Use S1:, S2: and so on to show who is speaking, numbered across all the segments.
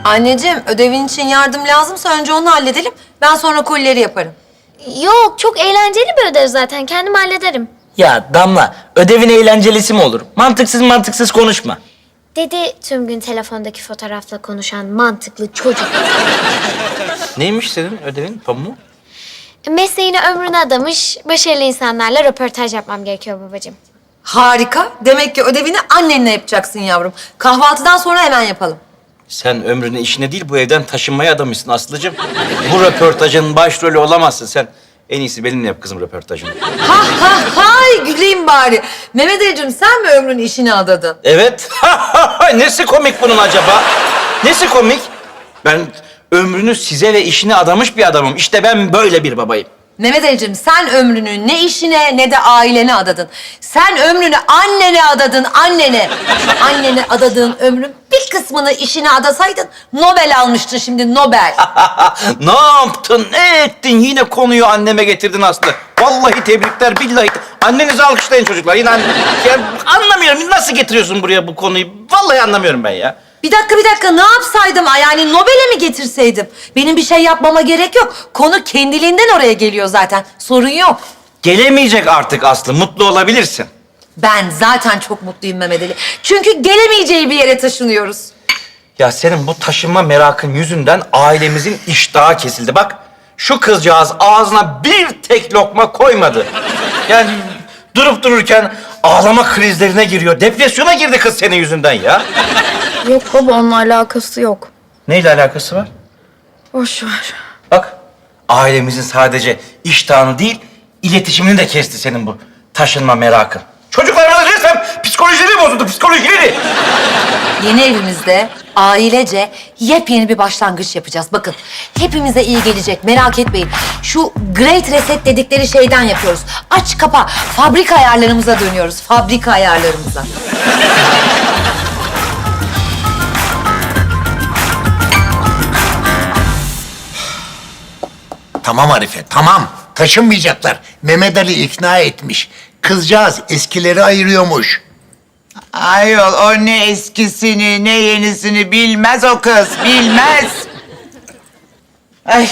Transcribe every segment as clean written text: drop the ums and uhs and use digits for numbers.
S1: Anneciğim, ödevin için yardım lazımsa önce onu halledelim. Ben sonra kolileri yaparım.
S2: Yok, çok eğlenceli bir ödev zaten. Kendim hallederim.
S3: Ya Damla, ödevin eğlencelisi mi olur? Mantıksız konuşma.
S2: Dedi tüm gün telefondaki fotoğrafla konuşan mantıklı çocuk.
S3: Neymiş senin ödevin pamuğu?
S2: Mesleğini ömrüne adamış, başarılı insanlarla röportaj yapmam gerekiyor babacığım.
S1: Harika. Demek ki ödevini annenle yapacaksın yavrum. Kahvaltıdan sonra hemen yapalım.
S3: Sen ömrünü işine değil bu evden taşınmaya adamışsın Aslı'cığım. Bu röportajın başrolü olamazsın sen. En iyisi benimle yap kızım röportajını.
S1: Hay güleyim bari. Mehmet Ali'cim sen mi ömrün işine adadın?
S3: Evet. Nesi komik bunun acaba? Nesi komik? Ben ömrünü size ve işine adamış bir adamım. İşte ben böyle bir babayım.
S1: Mehmet Ali'cim sen ömrünü ne işine ne de ailene adadın. Sen ömrünü annene adadın, annene. Şu annene adadığın ömrün bir kısmını işine adasaydın Nobel almıştın şimdi, Nobel.
S3: Ne yaptın, ne ettin? Yine konuyu anneme getirdin Aslı. Vallahi tebrikler, billahi. Annenizi alkışlayın çocuklar. Yine ya, anlamıyorum. Nasıl getiriyorsun buraya bu konuyu? Vallahi anlamıyorum ben ya.
S1: Bir dakika ne yapsaydım? Yani Nobel'e mi getirseydim? Benim bir şey yapmama gerek yok. Konu kendiliğinden oraya geliyor zaten. Sorun yok.
S3: Gelemeyecek artık Aslı. Mutlu olabilirsin.
S1: Ben zaten çok mutluyum Mehmet Ali. Çünkü gelemeyeceği bir yere taşınıyoruz.
S3: Ya senin bu taşınma merakın yüzünden ailemizin iştahı kesildi. Bak şu kızcağız ağzına bir tek lokma koymadı. Yani durup dururken ağlama krizlerine giriyor. Depresyona girdi kız senin yüzünden ya.
S4: Yok baba, onunla alakası yok.
S3: Neyle alakası var?
S4: Boş ver.
S3: Bak ailemizin sadece iştahını değil iletişimini de kesti senin bu taşınma merakın. Çocuklarımızın resmen psikolojileri bozuldu, psikolojileri.
S1: Yeni evimizde ailece yepyeni bir başlangıç yapacağız. Bakın hepimize iyi gelecek, merak etmeyin. Şu Great Reset dedikleri şeyden yapıyoruz. Aç kapa, fabrika ayarlarımıza dönüyoruz. Fabrika ayarlarımıza.
S5: Tamam Arife, tamam. Taşınmayacaklar. Mehmet Ali ikna etmiş. Kızcağız eskileri ayırıyormuş.
S6: Ayol o ne eskisini ne yenisini bilmez o kız, bilmez. Ay.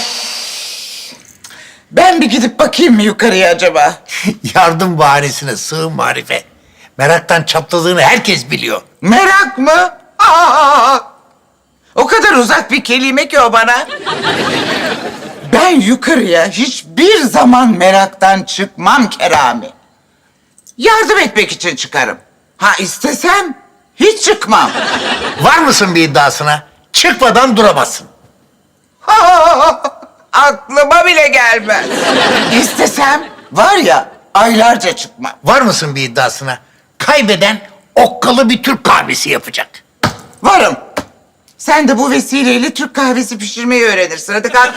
S6: Ben bir gidip bakayım mı yukarıya acaba?
S5: Yardım bahanesine sığınma Arife. Meraktan çatladığını herkes biliyor.
S6: Merak mı? Aa! O kadar uzak bir kelime ki o bana. Ben yukarıya hiçbir zaman meraktan çıkmam Kerami. Yardım etmek için çıkarım. Ha istesem hiç çıkmam.
S5: Var mısın bir iddiasına? Çıkmadan duramazsın.
S6: Aklıma bile gelmez. İstesem var ya aylarca çıkmam.
S5: Var mısın bir iddiasına? Kaybeden okkalı bir Türk kahvesi yapacak.
S6: Varım. Sen de bu vesileyle Türk kahvesi pişirmeyi öğrenirsin. Hadi kalk.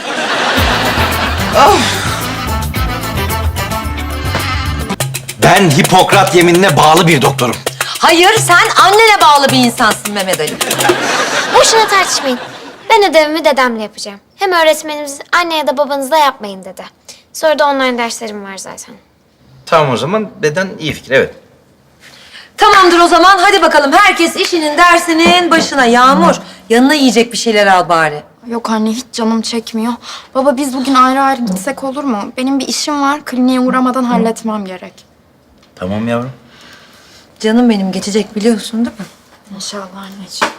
S3: Ben Hipokrat yeminine bağlı bir doktorum.
S1: Hayır, sen annene bağlı bir insansın Mehmet Ali.
S2: Boşuna tartışmayın. Ben ödevimi dedemle yapacağım. Hem öğretmenimiz anne ya da babanızla yapmayın dedi. Sonra da online derslerim var zaten.
S3: Tamam o zaman deden iyi fikir, evet.
S1: Tamamdır o zaman. Hadi bakalım herkes işinin dersinin başına. Yağmur, yanına yiyecek bir şeyler al bari.
S4: Yok anne, hiç canım çekmiyor. Baba biz bugün ayrı ayrı gitsek olur mu? Benim bir işim var, kliniğe uğramadan halletmem gerek.
S3: Tamam yavrum.
S1: Canım benim geçecek biliyorsun değil mi?
S4: İnşallah anneciğim.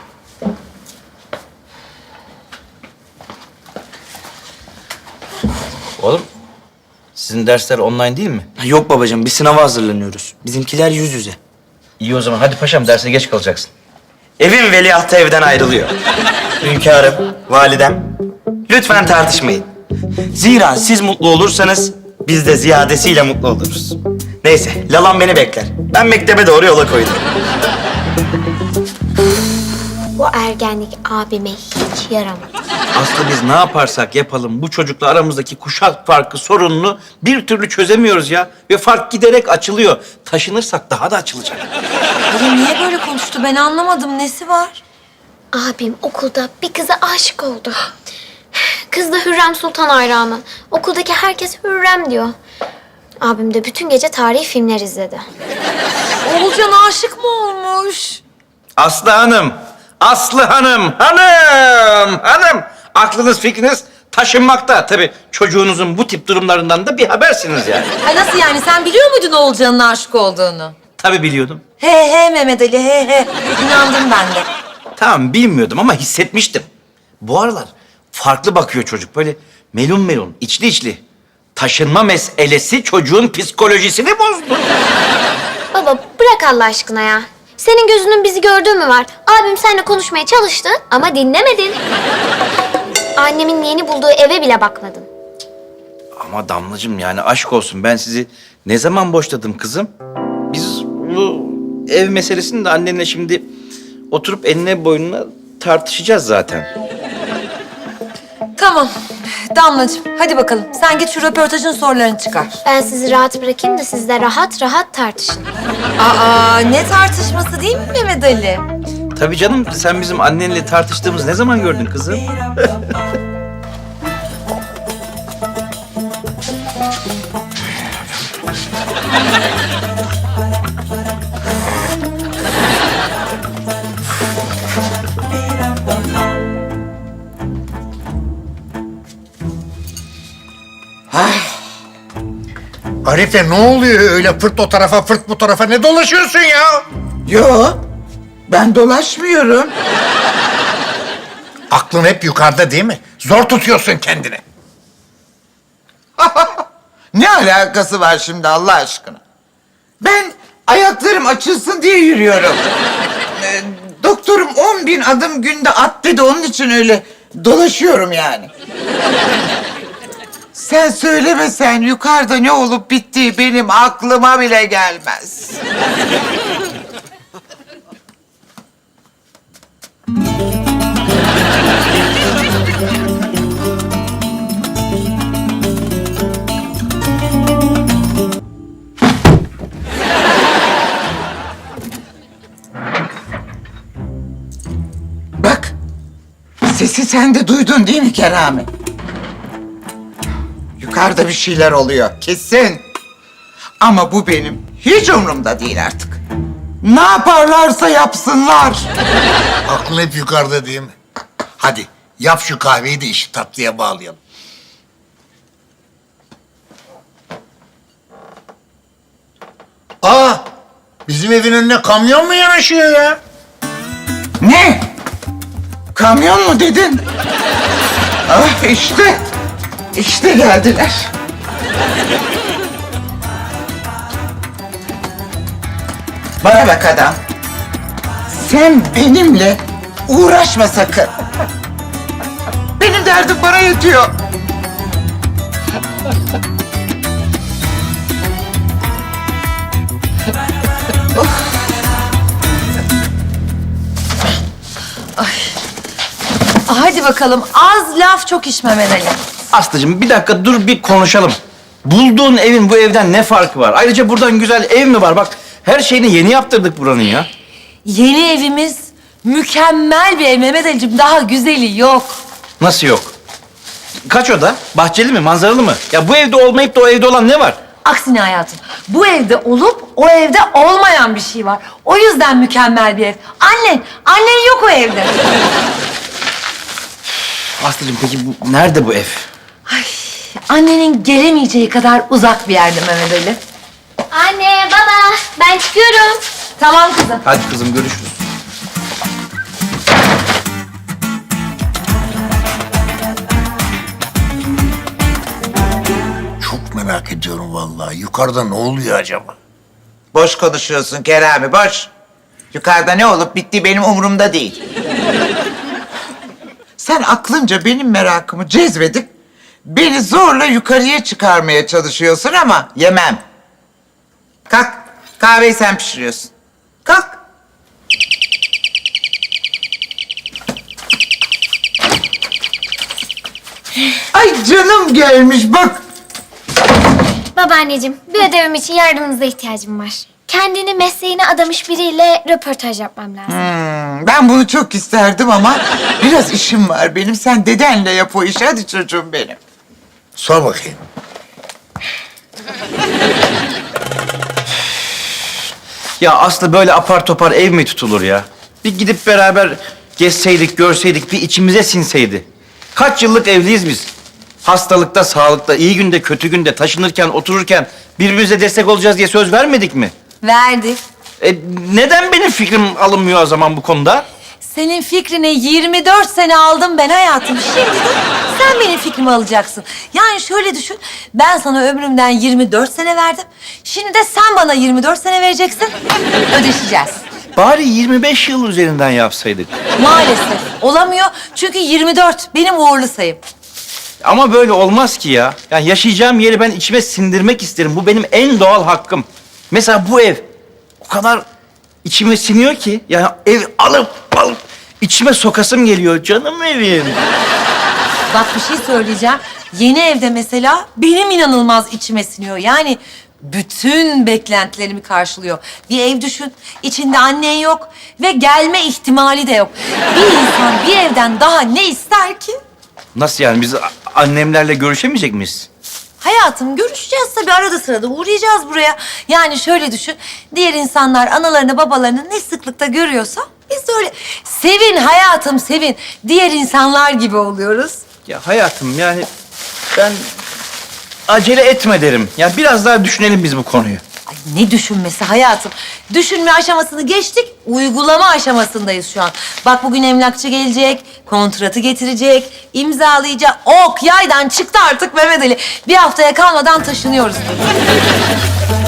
S3: Oğlum sizin dersler online değil mi?
S7: Yok babacığım, bir sınava hazırlanıyoruz. Bizimkiler yüz yüze.
S3: İyi o zaman hadi paşam derse geç kalacaksın.
S7: Evin veliahtı evden ayrılıyor. Hünkârım, validem, lütfen tartışmayın. Zira siz mutlu olursanız biz de ziyadesiyle mutlu oluruz. Neyse, Lalan beni bekler. Ben mektebe doğru yola koydum.
S2: Bu ergenlik abime hiç yaramadı.
S3: Aslı biz ne yaparsak yapalım bu çocukla aramızdaki kuşak farkı sorununu bir türlü çözemiyoruz ya. Ve fark giderek açılıyor. Taşınırsak daha da açılacak.
S1: Ali niye böyle konuştu ben anlamadım. Nesi var?
S2: Abim okulda bir kıza aşık oldu. Kız da Hürrem Sultan hayranı. Okuldaki herkes Hürrem diyor. Abim de bütün gece tarihi filmler izledi.
S1: Oğulcan aşık mı olmuş?
S3: Aslı Hanım, Aslı Hanım, hanım! aklınız fikriniz taşınmakta. Tabii çocuğunuzun bu tip durumlarından da bir habersiniz yani.
S1: Ay nasıl yani? Sen biliyor muydun Oğulcan'ın aşık olduğunu?
S3: Tabii biliyordum.
S1: He he Mehmet Ali he he. İnandım ben de.
S3: Tamam bilmiyordum ama hissetmiştim. Bu aralar farklı bakıyor çocuk. Böyle melun melun, içli içli. Taşınma meselesi çocuğun psikolojisini bozdu.
S2: Baba bırak Allah aşkına ya. Senin gözünün bizi gördüğü mü var? Abim seninle konuşmaya çalıştı ama dinlemedin. Annemin yeni bulduğu eve bile bakmadın.
S3: Ama Damlacığım yani aşk olsun ben sizi ne zaman boşladım kızım? Biz bu ev meselesini de annenle şimdi oturup enine boynuna tartışacağız zaten.
S1: Tamam. Damlacığım hadi bakalım. Sen git şu röportajın sorularını çıkar.
S2: Ben sizi rahat bırakayım da siz de rahat rahat tartışın.
S1: Aa ne tartışması değil mi Mehmet Ali?
S3: Tabii canım sen bizim annenle tartıştığımız ne zaman gördün kızım?
S5: Arife ne oluyor öyle fırt o tarafa fırt bu tarafa ne dolaşıyorsun ya?
S6: Yo, ben dolaşmıyorum.
S5: Aklın hep yukarıda değil mi? Zor tutuyorsun kendini.
S6: Ne alakası var şimdi Allah aşkına? Ben ayaklarım açılsın diye yürüyorum. Doktorum 10.000 adım günde at dedi, onun için öyle dolaşıyorum yani. Sen söylemesen yukarıda ne olup bittiği benim aklıma bile gelmez. Bak, sesi sen de duydun değil mi Kerami? Yukarıda bir şeyler oluyor, kesin. Ama bu benim hiç umurumda değil artık. Ne yaparlarsa yapsınlar.
S5: Aklın hep yukarıda değil mi? Hadi yap şu kahveyi de işi tatlıya bağlayalım. Aa, bizim evin önüne kamyon mu yanaşıyor ya?
S6: Ne? Kamyon mu dedin? Ah işte. İşte geldiler. Bana bak adam. Sen benimle uğraşma sakın. Benim derdim bana yetiyor.
S1: Hadi bakalım az laf çok iş Mehmet Ali.
S3: Aslıcığım bir dakika dur bir konuşalım. Bulduğun evin bu evden ne farkı var? Ayrıca buradan güzel ev mi var? Bak her şeyini yeni yaptırdık buranın ya.
S1: Yeni evimiz mükemmel bir ev Mehmet Ali'cim. Daha güzeli yok.
S3: Nasıl yok? Kaç oda? Bahçeli mi, manzaralı mı? Ya bu evde olmayıp da o evde olan ne var?
S1: Aksine hayatım. Bu evde olup o evde olmayan bir şey var. O yüzden mükemmel bir ev. Annen yok o evde.
S3: Aslıcığım peki bu nerede bu ev?
S1: Annenin gelemeyeceği kadar uzak bir yerde Mehmet Ali.
S2: Anne, baba, ben çıkıyorum.
S1: Tamam kızım.
S3: Hadi kızım görüşürüz.
S5: Çok merak ediyorum vallahi. Yukarıda ne oluyor acaba?
S6: Boş konuşuyorsun Kerami, boş. Yukarıda ne olup bittiği benim umurumda değil. Sen aklınca benim merakımı cezbedip beni zorla yukarıya çıkarmaya çalışıyorsun ama yemem. Kalk, kahveyi sen pişiriyorsun. Kalk. Ay canım gelmiş bak.
S2: Babaanneciğim, bir ödevim için yardımınıza ihtiyacım var. Kendini mesleğine adamış biriyle röportaj yapmam lazım.
S6: Ben bunu çok isterdim ama biraz işim var benim. Sen dedenle yap o işi. Hadi çocuğum benim.
S5: Sor bakayım.
S3: Ya Aslı böyle apar topar ev mi tutulur ya? Bir gidip beraber gezseydik, görseydik, bir içimize sinseydi. Kaç yıllık evliyiz biz? Hastalıkta, sağlıkta, iyi günde, kötü günde, taşınırken, otururken birbirimize destek olacağız diye söz vermedik mi?
S1: Verdik.
S3: Neden benim fikrim alınmıyor o zaman bu konuda?
S1: Senin fikrini 24 sene aldım ben hayatım. Şimdi de sen benim fikrimi alacaksın. Yani şöyle düşün. Ben sana ömrümden 24 sene verdim. Şimdi de sen bana 24 sene vereceksin. Ödeşeceğiz.
S3: Bari 25 yıl üzerinden yapsaydık.
S1: Maalesef olamıyor. Çünkü 24 benim uğurlu sayım.
S3: Ama böyle olmaz ki ya. Yani yaşayacağım yeri ben içime sindirmek isterim. Bu benim en doğal hakkım. Mesela bu ev o kadar içime siniyor ki. Yani ev alıp içime sokasım geliyor. Canım evim.
S1: Bak bir şey söyleyeceğim. Yeni evde mesela benim inanılmaz içime siniyor. Yani bütün beklentilerimi karşılıyor. Bir ev düşün, içinde annen yok ve gelme ihtimali de yok. Bir insan bir evden daha ne ister ki?
S3: Nasıl yani? Biz annemlerle görüşemeyecek miyiz?
S1: Hayatım görüşeceğiz tabii, arada sırada uğrayacağız buraya. Yani şöyle düşün, diğer insanlar analarını babalarını ne sıklıkta görüyorsa biz de öyle. Sevin hayatım sevin. Diğer insanlar gibi oluyoruz.
S3: Ya hayatım yani ben acele etme derim. Ya biraz daha düşünelim biz bu konuyu.
S1: Ay ne düşünmesi hayatım. Düşünme aşamasını geçtik, uygulama aşamasındayız şu an. Bak bugün emlakçı gelecek, kontratı getirecek, imzalayacak. Ok yaydan çıktı artık Mehmet Ali. Bir haftaya kalmadan taşınıyoruz.